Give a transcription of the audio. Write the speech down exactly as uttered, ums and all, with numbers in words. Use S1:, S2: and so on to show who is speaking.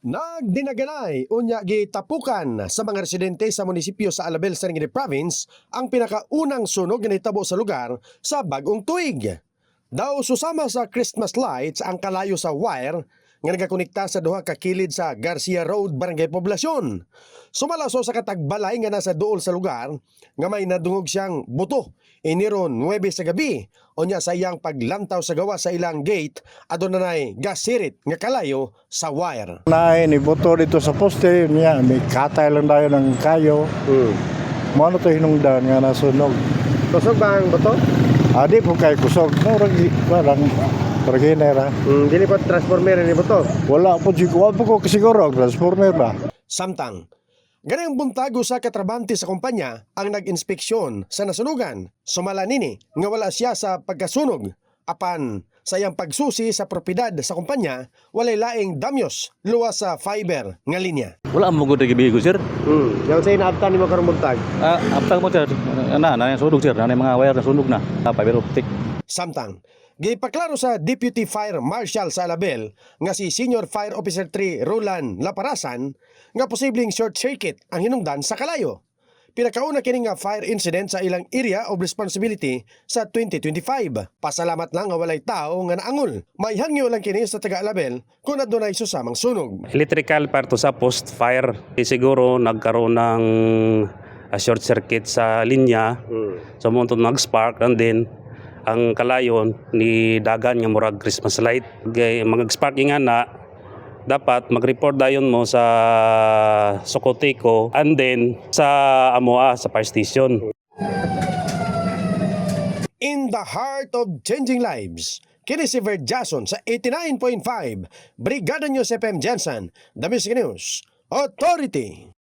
S1: Nagdinaganay unya gitapukan sa mga residente sa munisipyo sa Alabel, Sarangani Province ang pinakaunang sunog nga nahitabo sa lugar sa bagong tuig. Daw susama sa Christmas lights ang kalayo sa wire nga nagakonekta sa duha ka kilid sa Garcia Road, Barangay Poblasyon. Sumalaso sa katagbalay nga nasa duol sa lugar nga may nadungog siyang buto iniron nuwebe sa gabi unya sa iyang paglantaw sa gawa sa ilang gate adunay gasirit nga kalayo sa wire.
S2: Na ni boto dito sa poste niya, may katay lang tayo ng kayo.
S1: Hmm.
S2: Mano to hinungdan nga nasunog.
S1: Kusog ba ang buto?
S2: Adi po kay kusog. Murag parang parginera.
S1: Hmm, dili pa transformer ni buto.
S2: Wala po siguro po ko siguro transformer ba.
S1: Samtang ganang buntago sa katrabante sa kumpanya ang nag-inspeksyon sa nasunugan. Sumala nini nga wala siya sa pagkasunog. Apan sa iyang pagsusi sa propiedad sa kumpanya, walay laing damyos luwas sa fiber nga linya.
S3: Wala mo gud gibigo sir.
S1: Hmm, yung say naabtan ni mo karong buntag.
S3: Ah, aptang mo sir. Ana na sunog sir, na mga wire na sunog na. Ah, fiber optic.
S1: Samtang gipaklaro sa Deputy Fire Marshal sa Alabel nga si Senior Fire Officer three Roland Laparasan nga posibleng short circuit ang hinungdan sa kalayo. Pinakauna kini nga fire incident sa ilang area of responsibility sa twenty twenty-five. Pasalamat lang nga walay tao nga naangol. May hangyo lang kini sa taga Alabel kung adunay susamang sunog.
S4: Electrical parto sa post fire. Eh, siguro nagkaroon ng uh, short circuit sa linya.
S1: Hmm.
S4: So mo nag-spark and then ang kalayon ni dagan nga murag Christmas light. Gay mag-spark nga na dapat mag-report dayon mo sa Socoteco and then sa Amoa sa fire station.
S1: In the heart of changing lives, kini si Verd Jason sa eighty-nine point five Brigada News F M Jensen, The Music News Authority.